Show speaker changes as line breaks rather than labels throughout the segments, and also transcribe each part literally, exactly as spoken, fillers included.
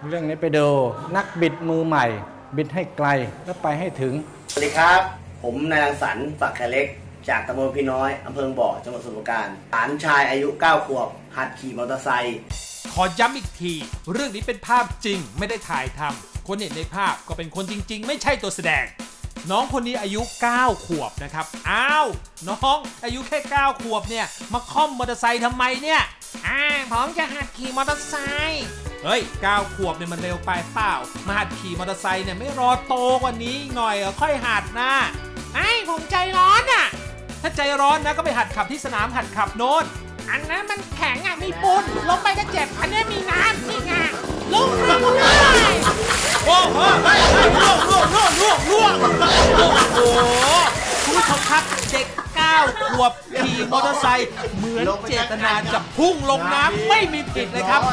เรื่องนี้ไปดูนักบิดมือใหม่ บิดให้ไกลและไปให้ถึง
สวัสดีครับผมนายรังสรรค์ฝักแขเล็กจากตำบลพี่น้อยอำเภอบ่อจังหวัดสมุทรปราการหลานชายอายุเก้าขวบหัดขี่มอเตอร์ไซค์
ขอย้ำอีกทีเรื่องนี้เป็นภาพจริงไม่ได้ถ่ายทำคนเห็นในภาพก็เป็นคนจริงๆไม่ใช่ตัวแสดงน้องคนนี้อายุเก้าขวบนะครับอ้าวน้องอายุแค่เก้าขวบเนี่ยมาค่อมมอเตอร์ไซค์ทำไมเนี่ยอ่าผมจะหัดขี่มอเตอร์ไซค์เฮ้ยเก้าขวบเนี่ยมันเร็วไปเปล่ามาหัดขี่มอเตอร์ไซค์เนี่ยไม่รอโตกว่านี้หน่อยค่อยหัดนะไอ้ผมใจร้อนอ่ะถ้าใจร้อนนะก็ไปหัดขับที่สนามหัดขับโน้นอันนั้นมันแข็งอ่ะมีปูนลงไปก็เจ็บอันนี้มีน้ำนี่ไงลงลงเลยโอ้โหล่วงล่วงล่วงล่วงล่วงโอ้โหคุณผู้ชมครับเด็กเก้าขวบขี่มอเตอร์ไซค์เหมือนเจตนาจะพุ่งลงน้ำไม่มีผิดเลยครับ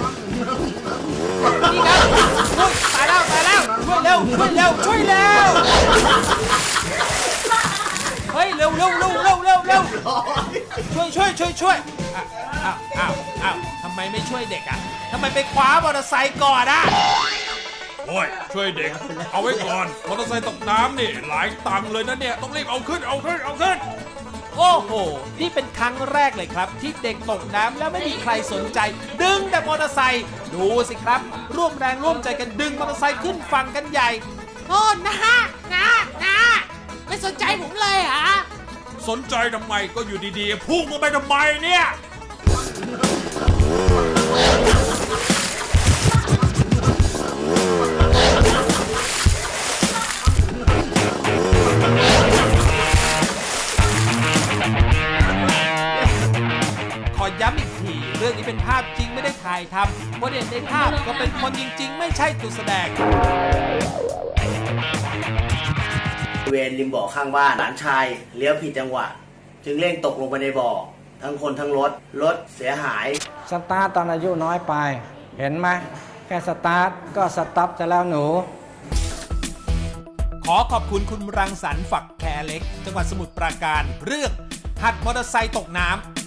นี่ครับช่วยตายแล้วตายแล้วช่วยเร็วช่วยเร็วช่วยเร็วเฮ้ยเร็วเร็วเร็วเร็วเร็วเร็วช่วยช่วยช่วยช่วยอ้าวอ้าวอ้าวทำไมไม่ช่วยเด็กอ่ะทำไมไปคว้ามอเตอร์ไซค์ก่อนอ่ะโอ้ยช่วยเด็กเอาไว้ก่อนมอเตอร์ไซค์ตกน้ำนี่หลายตังค์เลยนะเนี่ยต้องรีบเอาขึ้นเอาขึ้นเอาขึ้นโอ้โหนี่เป็นครั้งแรกเลยครับที่เด็กตกน้ำแล้วไม่มีใครสนใจดึงแต่มอเตอร์ไซค์ดูสิครับร่วมแรงร่วมใจกันดึงมอเตอร์ไซค์ขึ้นฝั่งกันใหญ่โอ้นะนะนะไม่สนใจผมเลยเหรอสนใจทำไมก็อยู่ดีๆพุ่งลงไปทำไมเนี่ยขอย้ำอีกทีเรื่องนี้เป็นภาพจริงไม่ได้ถ่ายทำคนเห็นในภาพก็เป็นคนจริงๆไม่ใช่ตัวแสดง
บริเวณริมบ่อข้างบ้านหลานชายเลี้ยวผิดจังหวะจึงเร่งตกลงไปในบ่อทั้งคนทั้งรถรถเสียหาย
สตาร์ทตอนอายุน้อยไปเห็นไหมแค่สตาร์ทก็สต็อปจะแล้วหนู
ขอขอบคุณคุณรังสรรค์ฝักแคเล็กจังหวัดสมุทรปราการเรื่องหัดมอเตอร์ไซค์ตกน้ำ